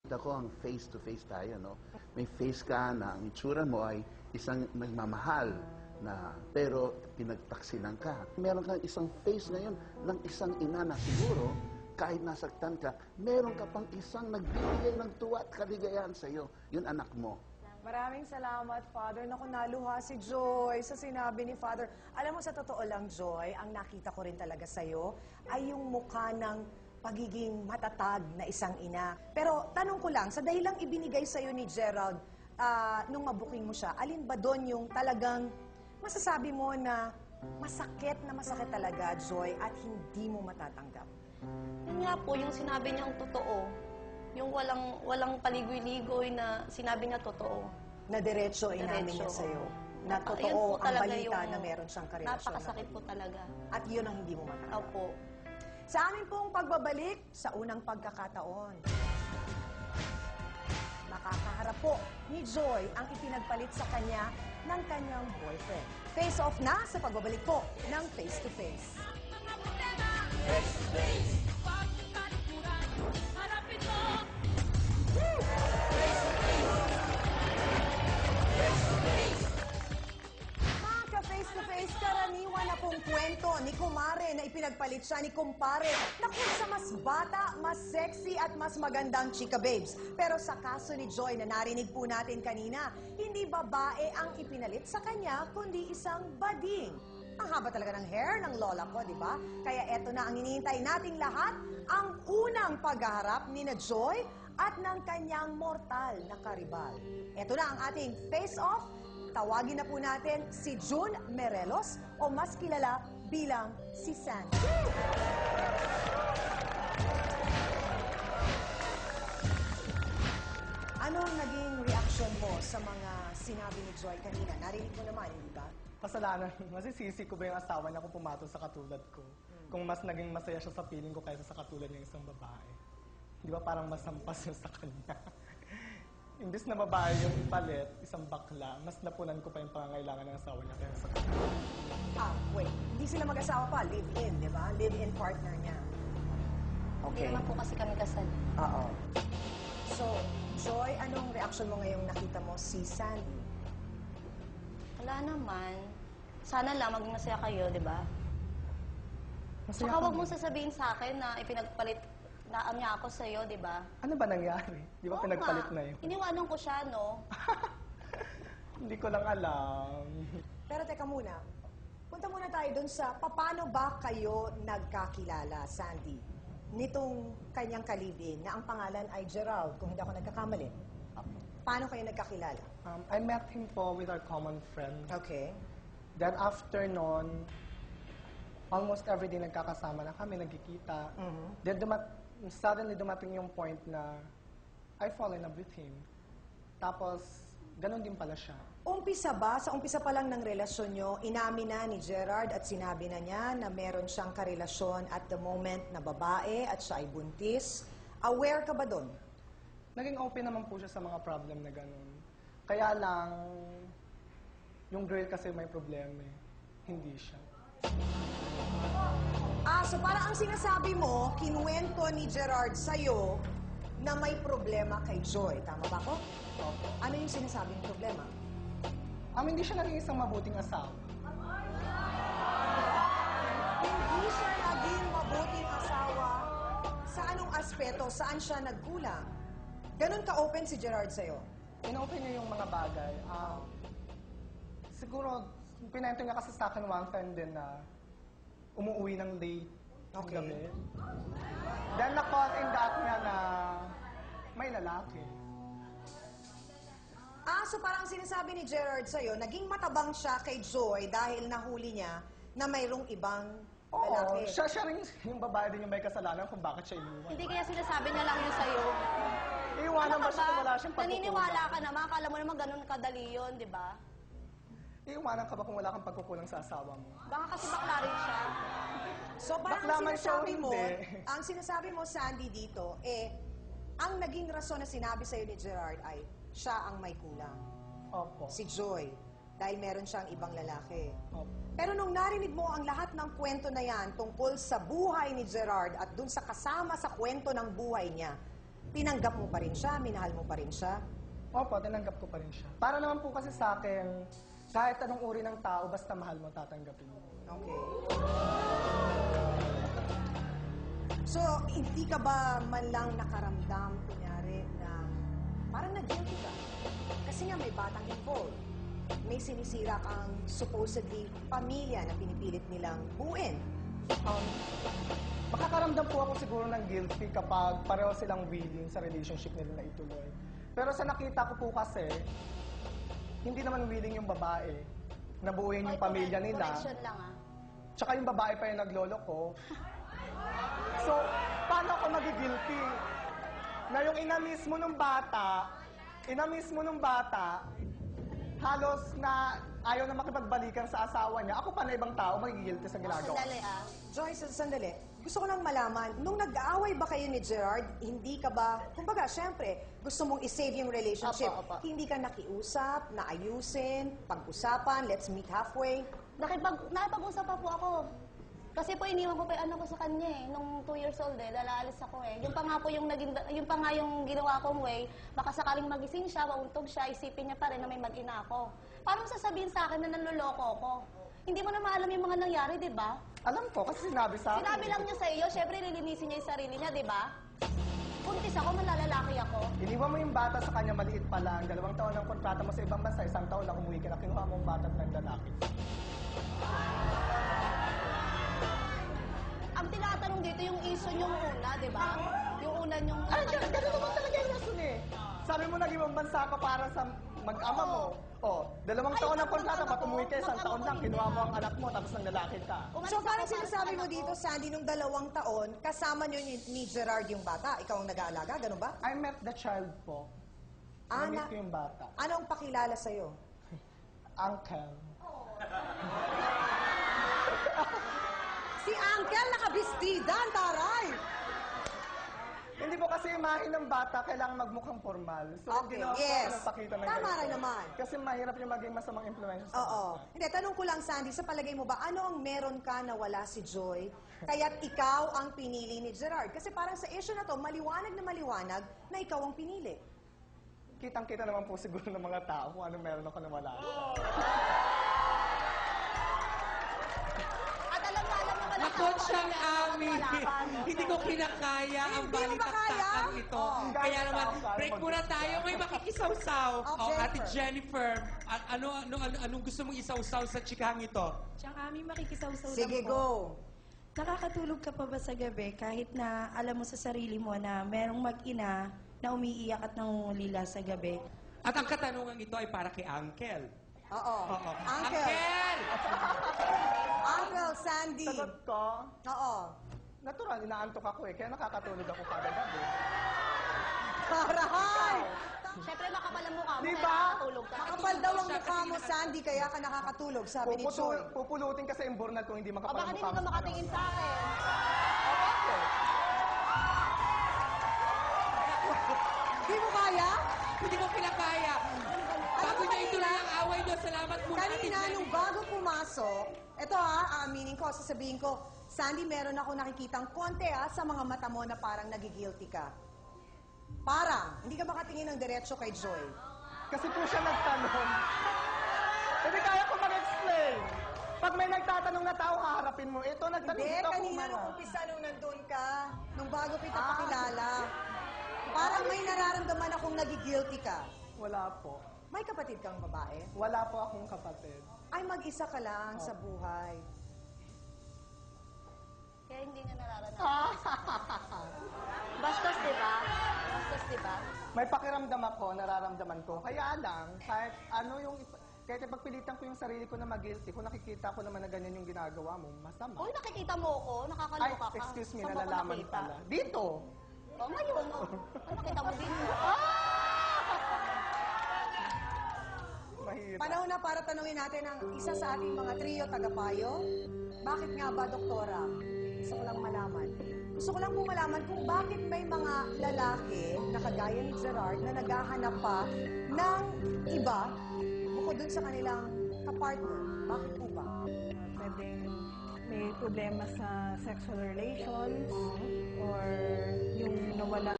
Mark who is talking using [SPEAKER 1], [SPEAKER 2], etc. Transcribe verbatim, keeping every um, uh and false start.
[SPEAKER 1] Ako ang face-to-face tayo, no? May face ka na ang itsura mo ay isang nagmamahal na pero pinagtaksilan ka. Meron kang isang face ngayon ng isang ina na siguro kahit nasaktan ka, meron ka pang isang nagbibigay ng tuwa at kaligayahan sa iyo. Yun anak mo.
[SPEAKER 2] Maraming salamat, Father. Naku, naluha si Joy sa sinabi ni Father. Alam mo, sa totoo lang, Joy, ang nakita ko rin talaga sa'yo ay yung mukha ng pagiging matatag na isang ina. Pero tanong ko lang, sa dahilang ibinigay sa'yo ni Gerald, uh, nung mabuking mo siya, alin ba doon yung talagang masasabi mo na masakit na masakit talaga, Joy, at hindi mo matatanggap?
[SPEAKER 3] Yun nga po, yung sinabi niyang totoo. Yung walang walang paligoy-ligoy na sinabi niya totoo.
[SPEAKER 2] Na diretso inamin niya sa'yo. Na
[SPEAKER 3] Napa-
[SPEAKER 2] totoo
[SPEAKER 3] yun po
[SPEAKER 2] ang
[SPEAKER 3] talaga
[SPEAKER 2] balita
[SPEAKER 3] yung
[SPEAKER 2] na meron siyang karelasyon.
[SPEAKER 3] Napakasakit po talaga.
[SPEAKER 2] At yun ang hindi mo matanggap.
[SPEAKER 3] Opo.
[SPEAKER 2] Sa amin pong pagbabalik sa unang pagkakataon, makakaharap po ni Joy ang ipinagpalit sa kanya ng kanyang boyfriend. Face off na sa pagbabalik po ng Face to Face. Mga ka-face to face, karaniwan na pong kwento ni Kumare na ipinagpalit siya ni Kumpare na kung sa mas bata, mas sexy at mas magandang chika babes. Pero sa kaso ni Joy na narinig po natin kanina, hindi babae ang ipinalit sa kanya, kundi isang bading. Ang haba talaga ng hair ng lola ko, di ba? Kaya eto na ang hinihintay nating lahat, ang unang paghaharap ni na Joy at ng kanyang mortal na karibal. Eto na ang ating face-off. Tawagin na po natin si June Merelos o mas kilala bilang si Sandy. Ano ang naging reaction mo sa mga sinabi ni Joy kanina? Narinig mo naman, hindi ba?
[SPEAKER 4] Kasalanan, masisisi ko ba yung asawa niya kung pumatol sa katulad ko? Hmm. Kung mas naging masaya siya sa piling ko kaysa sa katulad niya isang babae. Di ba parang masampas yun sa kanya? Imbis na babae yung ipalit, isang bakla, mas napunan ko pa yung pangangailangan ng asawa niya kaysa sa kanya.
[SPEAKER 2] Ah, wait. Hindi sila mag-asawa pa. Live-in, di ba? Live-in partner niya.
[SPEAKER 3] Hindi naman po kasi kami kasal.
[SPEAKER 2] Oo. So, Joy, anong reaction mo ngayong nakita mo si Sandy?
[SPEAKER 3] Wala naman. Sana lang maging masaya kayo, di ba?
[SPEAKER 4] Masaya
[SPEAKER 3] Tsaka wag
[SPEAKER 4] kami.
[SPEAKER 3] mong sasabihin sa akin na ipinagpalit na niya ako sa'yo, di ba?
[SPEAKER 4] Ano ba nangyari? Di ba
[SPEAKER 3] Oo
[SPEAKER 4] pinagpalit
[SPEAKER 3] nga.
[SPEAKER 4] na yun?
[SPEAKER 3] Iniwanan ko siya, no?
[SPEAKER 4] Hindi ko lang alam.
[SPEAKER 2] Pero teka muna, punta muna tayo dun sa paano ba kayo nagkakilala, Sandy? Nitong kanyang kalibin na ang pangalan ay Gerald, kung hindi ako nagkakamali. Paano kayo nagkakilala?
[SPEAKER 4] Um, I met him po with our common friend.
[SPEAKER 2] Okay.
[SPEAKER 4] Then after nun, almost every day nagkakasama na kami, nagkikita.
[SPEAKER 2] Mhm.
[SPEAKER 4] Then dumat suddenly dumating yung point na I fall in love with him. Tapos, ganun din pala siya.
[SPEAKER 2] Umpisa ba, sa umpisa pa lang ng relasyon nyo, inamin na ni Gerard at sinabi na niya na meron siyang karelasyon at the moment na babae at siya ay buntis. Aware ka ba doon?
[SPEAKER 4] Naging open naman po siya sa mga problem na ganun. Kaya lang, yung girl kasi may problema eh. Hindi siya.
[SPEAKER 2] Ah, so parang ang sinasabi mo, kinuwento ni Gerard sa'yo na may problema kay Joy. Tama ba ko?
[SPEAKER 4] Opo.
[SPEAKER 2] Ano yung sinasabing problema?
[SPEAKER 4] Um, hindi siya naging isang mabuting asawa.
[SPEAKER 2] Hindi siya naging mabuting asawa. Sa anong aspeto? Saan siya nagkulang? Ganon ka-open si Gerard sa'yo?
[SPEAKER 4] In-open niya yung mga bagay. Um, siguro, pinento niya kasi sa akin one time din na umuwi ng late ng
[SPEAKER 2] Okay.
[SPEAKER 4] gabi. Then na-call in that niya na may lalaki.
[SPEAKER 2] Ah, so parang ang sinasabi ni Gerard sa'yo, naging matabang siya kay Joy dahil nahuli niya na mayroong ibang
[SPEAKER 4] Oo,
[SPEAKER 2] lalaki.
[SPEAKER 4] siya, siya rin yung babae din yung may kasalanan kung bakit siya iniwan.
[SPEAKER 3] Hindi kaya sinasabi niya lang yun sa'yo.
[SPEAKER 4] Iiwanan ba siya kung wala siyang pagkukulang?
[SPEAKER 3] Naniniwala ka naman. Akala mo naman ganun kadali yun, di ba?
[SPEAKER 4] Iiwanan ka ba kung wala kang pagkukulang sa asawa mo?
[SPEAKER 3] Baka kasi bakla rin siya.
[SPEAKER 2] So parang
[SPEAKER 4] Bakla
[SPEAKER 2] ang
[SPEAKER 4] man siya o
[SPEAKER 2] sinasabi mo,
[SPEAKER 4] hindi.
[SPEAKER 2] ang sinasabi mo, Sandy, dito, eh, ang naging rason na sinabi sa'yo ni Gerard ay siya ang may kulang.
[SPEAKER 4] Opo.
[SPEAKER 2] Si Joy. Dahil meron siyang ibang lalaki.
[SPEAKER 4] Opo.
[SPEAKER 2] Pero nung narinig mo ang lahat ng kwento na yan tungkol sa buhay ni Gerard at dun sa kasama sa kwento ng buhay niya, tinanggap mo pa rin siya, minahal mo pa rin siya.
[SPEAKER 4] Opo, tinanggap ko pa rin siya. Para naman po kasi sa akin, kahit anong uri ng tao, basta mahal mo, tatanggapin mo.
[SPEAKER 2] Okay. So, hindi ka ba man lang nakaramdam, kunyari, na parang nag-guilty ka? Kasi nga may batang involved. May sinisira kang supposedly pamilya na pinipilit nilang buuin.
[SPEAKER 4] Um, makakaramdam po ako siguro ng guilty kapag pareho silang willing sa relationship nila na ituloy. Pero sa nakita ko po kasi, hindi naman willing yung babae na buuin yung pamilya nila.
[SPEAKER 3] Correction lang ah.
[SPEAKER 4] Tsaka yung babae pa yung naglolo ko. So, paano ako magigilty? Na yung ina mismo ng bata, ina mismo ng bata, halos na ayaw na makipagbalikan sa asawa niya. Ako pa na ibang tao, magigilty sa ginagawa.
[SPEAKER 3] Sandali ah.
[SPEAKER 2] Joyce, sandali. Gusto ko lang malaman, nung nag-aaway ba kayo ni Gerard, hindi ka ba, kumbaga, syempre, gusto mong i-save yung relationship.
[SPEAKER 3] Apa, apa.
[SPEAKER 2] Hindi ka nakiusap, naayusin, pag-usapan, let's meet halfway.
[SPEAKER 3] Nakipag, nakipag-usap pa po ako. Kasi po iniwan ko pa yung anak ko sa kanya eh. Nung two years old eh, lalaalis ako eh. Yung pa nga po yung, naging, yung pa nga yung ginawa kong way, baka sakaling magising siya, mauntog siya, isipin niya pa rin na may mag-ina ako. Paano sasabihin sa akin na nanloloko ako? Hindi mo na maalam yung mga nangyari, di ba?
[SPEAKER 4] Alam ko, kasi sinabi sa akin.
[SPEAKER 3] Sinabi lang niya sa iyo, syempre lilinisin niya yung sarili niya, di ba? Kuntis ako, malalalaki ako.
[SPEAKER 4] Iniwan mo yung bata sa kanya, maliit pa lang. Dalawang taon ang kontrata mo sa ibang bansa, isang taon lang umuwi ka na, kinuha mo ang bata at ng lalaki.
[SPEAKER 3] Ang tinatanong dito yung issue yung una, di ba? Yung una yung...
[SPEAKER 4] Ay, ganun ganun naman talaga yung rason eh. Sabi mo nag ibang bansa ka para sa mag-ama mo. Oh, dalawang
[SPEAKER 3] Ay,
[SPEAKER 4] taon ang
[SPEAKER 3] mag-
[SPEAKER 4] kontrata,
[SPEAKER 3] mag-ama
[SPEAKER 4] ba't umuwi ka,
[SPEAKER 3] ko?
[SPEAKER 4] isang taon
[SPEAKER 3] Mag-ama
[SPEAKER 4] lang,
[SPEAKER 3] ko,
[SPEAKER 4] kinuha
[SPEAKER 3] hindi.
[SPEAKER 4] mo ang anak mo, tapos ng lalaki ka.
[SPEAKER 3] Umalis
[SPEAKER 2] So
[SPEAKER 3] ako
[SPEAKER 2] parang
[SPEAKER 3] para sa
[SPEAKER 2] sinasabi mo
[SPEAKER 3] anak
[SPEAKER 2] dito,
[SPEAKER 3] ko.
[SPEAKER 2] Sandy, nung dalawang taon, kasama niyo ni, ni Gerard yung bata. Ikaw ang nag-aalaga, ganun ba?
[SPEAKER 4] I met the child po.
[SPEAKER 2] Ah,
[SPEAKER 4] I-meet
[SPEAKER 2] na-
[SPEAKER 4] ko yung bata.
[SPEAKER 2] Anong pakilala sa'yo?
[SPEAKER 4] Uncle.
[SPEAKER 2] Si Uncle nakabistida, ang taray!
[SPEAKER 4] Hindi po kasi imahin ng bata, kailangan magmukhang formal. So,
[SPEAKER 2] Okay,
[SPEAKER 4] ginawa ko
[SPEAKER 2] yes.
[SPEAKER 4] ako ng pakita ng
[SPEAKER 2] Tama
[SPEAKER 4] ganito.
[SPEAKER 2] rin naman.
[SPEAKER 4] Kasi mahirap yung maging masamang influensya sa
[SPEAKER 2] Oo.
[SPEAKER 4] bata.
[SPEAKER 2] Hindi, tanong ko lang, Sandy, sa palagay mo ba, ano ang meron ka na wala si Joy, kaya't ikaw ang pinili ni Gerard? Kasi parang sa issue na to, maliwanag na maliwanag na ikaw ang pinili.
[SPEAKER 4] Kitang-kita naman po siguro ng mga tao kung ano meron ako na wala.
[SPEAKER 3] At alam na, alam naman ang
[SPEAKER 5] Nakot
[SPEAKER 3] tao
[SPEAKER 5] siyang
[SPEAKER 3] kung ano,
[SPEAKER 5] amin.
[SPEAKER 3] wala ka, no?
[SPEAKER 5] Hindi ko kinakaya ang
[SPEAKER 2] Hindi mo ba kaya?
[SPEAKER 5] balitaktakan ito.
[SPEAKER 2] Oh.
[SPEAKER 5] Kaya naman,
[SPEAKER 4] Kaya
[SPEAKER 5] break
[SPEAKER 4] mag-
[SPEAKER 5] muna tayo. May makikisawsaw.
[SPEAKER 2] Oh,
[SPEAKER 5] Oh, Ate
[SPEAKER 2] Jennifer.
[SPEAKER 5] Jennifer, a- ano, ano, ano, anong gusto mong isawsaw sa chikahang ito?
[SPEAKER 6] Tsaka kami makikisawsaw
[SPEAKER 2] Sige,
[SPEAKER 6] lang po.
[SPEAKER 2] go.
[SPEAKER 6] Nakakatulog ka pa ba sa gabi kahit na alam mo sa sarili mo na merong mag-ina na umiiyak at nangungulila sa gabi?
[SPEAKER 5] At ang katanungan ito ay para kay Uncle.
[SPEAKER 2] Oo.
[SPEAKER 5] Oo.
[SPEAKER 2] Uncle.
[SPEAKER 5] Uncle!
[SPEAKER 2] Uncle Sandy.
[SPEAKER 4] Sagot ko,
[SPEAKER 2] Oo.
[SPEAKER 4] natural, inaantok ako eh, kaya nakakatulog ako kada gabi.
[SPEAKER 2] Taray!
[SPEAKER 3] Siyempre makapal ang mukha mo,
[SPEAKER 4] Di
[SPEAKER 3] kaya
[SPEAKER 4] ba?
[SPEAKER 3] nakakatulog ka.
[SPEAKER 2] Makapal daw ang mukha mo, Sandy, kaya ka nakakatulog, sabi ni Joy.
[SPEAKER 4] Puputul, pupulutin kasi yung burnal kung hindi
[SPEAKER 3] O
[SPEAKER 4] makapal
[SPEAKER 3] baka
[SPEAKER 4] ang
[SPEAKER 3] hindi
[SPEAKER 4] mukha
[SPEAKER 3] ka
[SPEAKER 4] mo.
[SPEAKER 3] makatingin sa akin.
[SPEAKER 4] O, bakit?
[SPEAKER 2] Di mo kaya?
[SPEAKER 5] Hindi ko kinakaya. Bago
[SPEAKER 2] mo
[SPEAKER 5] niya ituloy
[SPEAKER 2] kanina?
[SPEAKER 5] ang away niyo, salamat muna, Ate
[SPEAKER 2] Kanina,
[SPEAKER 5] Jennifer.
[SPEAKER 2] nung bago pumasok, eto ha, aaminin ko, sasabihin ko, Sandy, meron ako nakikitang konti ha, sa mga mata mo na parang nagigilty ka. Parang, hindi ka makatingin ng diretso kay Joy.
[SPEAKER 4] Kasi po siya nagtanong. Hindi kaya ko mag-explain. Pag may nagtatanong na tao, haharapin mo. Ito, nagtanong
[SPEAKER 2] Hindi,
[SPEAKER 4] dito ako
[SPEAKER 2] kanina
[SPEAKER 4] man.
[SPEAKER 2] nung umpisa nung nandun ka, nung bago kita pakilala, parang may nararamdaman akong nagigilty ka.
[SPEAKER 4] Wala po.
[SPEAKER 2] May kapatid kang babae?
[SPEAKER 4] Wala po akong kapatid.
[SPEAKER 2] Ay, mag-isa ka lang sa buhay.
[SPEAKER 3] Kaya hindi niya nararanasan. Bastos, di ba? Bastos, di ba?
[SPEAKER 4] May pakiramdam ako, nararamdaman ko. Kaya lang, kahit ano yung... ipa- Kahit ipagpilitan ko yung sarili ko na mag-guilty, kung nakikita ko naman na ganyan yung ginagawa mo, masama.
[SPEAKER 3] Uy, nakikita mo ako,
[SPEAKER 4] Ay,
[SPEAKER 3] nakakaloka ka.
[SPEAKER 4] excuse me,
[SPEAKER 3] Saan mo ako
[SPEAKER 4] nalalaman
[SPEAKER 3] nakita?
[SPEAKER 4] pala. Dito!
[SPEAKER 3] O, ngayon, o. Ano nakita mo dito?
[SPEAKER 4] Mahirap.
[SPEAKER 2] Panahon na para tanungin natin ang isa sa ating mga trio tagapayo. Bakit nga ba, doktora? Gusto ko lang malaman. Gusto ko lang po malaman kung bakit may mga lalaki na kagaya ni Gerard na naghahanap pa ng iba bukod dun sa kanilang kapartner. Bakit po ba?
[SPEAKER 7] Pwedeng may problema sa sexual relations or yung nawala